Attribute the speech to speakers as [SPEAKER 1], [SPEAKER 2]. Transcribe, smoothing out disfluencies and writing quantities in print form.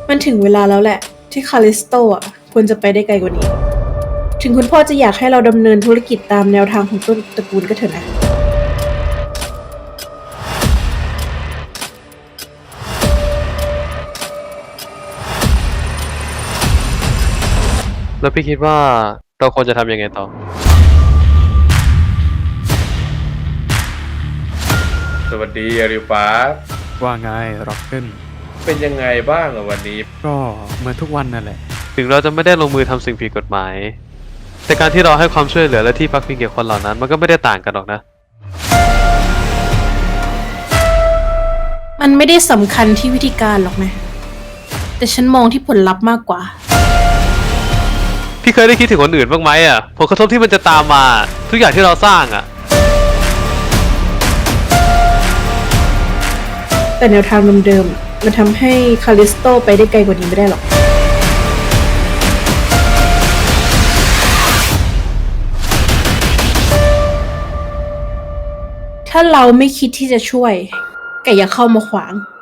[SPEAKER 1] มันถึงเวลาแล้วแหละที่คาลิสโตอ่ะควรจะไปได้ไกลกว่านี้ ถึงคุณพ่อจะอยากให้เราดำเนินธุรกิจตามแนวทางของต้นตระกูลก็เถอะนะ
[SPEAKER 2] แล้วพี่คิดว่าเราควรจะทำยังไงต่อ
[SPEAKER 3] สวัสดีอาริวปาร์ค
[SPEAKER 4] ว่าไงร็อกเกิล
[SPEAKER 3] เป็นยังไงบ้างอะวันนี้
[SPEAKER 4] ก็เหมือนทุกวันนั่นแหละ
[SPEAKER 2] ถึงเราจะไม่ได้ลงมือทำสิ่งผิดกฎหมาย แต่การที่เราให้ความช่วยเหลือและที่พักพิงแก่คนเหล่านั้นมันก็ไม่ได้ต่างกันหรอกนะ
[SPEAKER 1] มันไม่ได้สำคัญที่วิธีการหรอกนะ แต่ฉันมองที่ผลลัพธ์มากกว่า
[SPEAKER 2] พี่เคยได้คิดถึงคนอื่นบ้างไหมอ่ะผลกระทบที่มันจะตามมาทุกอย่างที่เราสร้างอ่ะ
[SPEAKER 1] แต่แนวทางเดิมๆมันทำให้คาลิสโตไปได้ไกลกว่านี้ไม่ได้หรอก ถ้าเราไม่คิดที่จะช่วย แกอย่าเข้ามาขวาง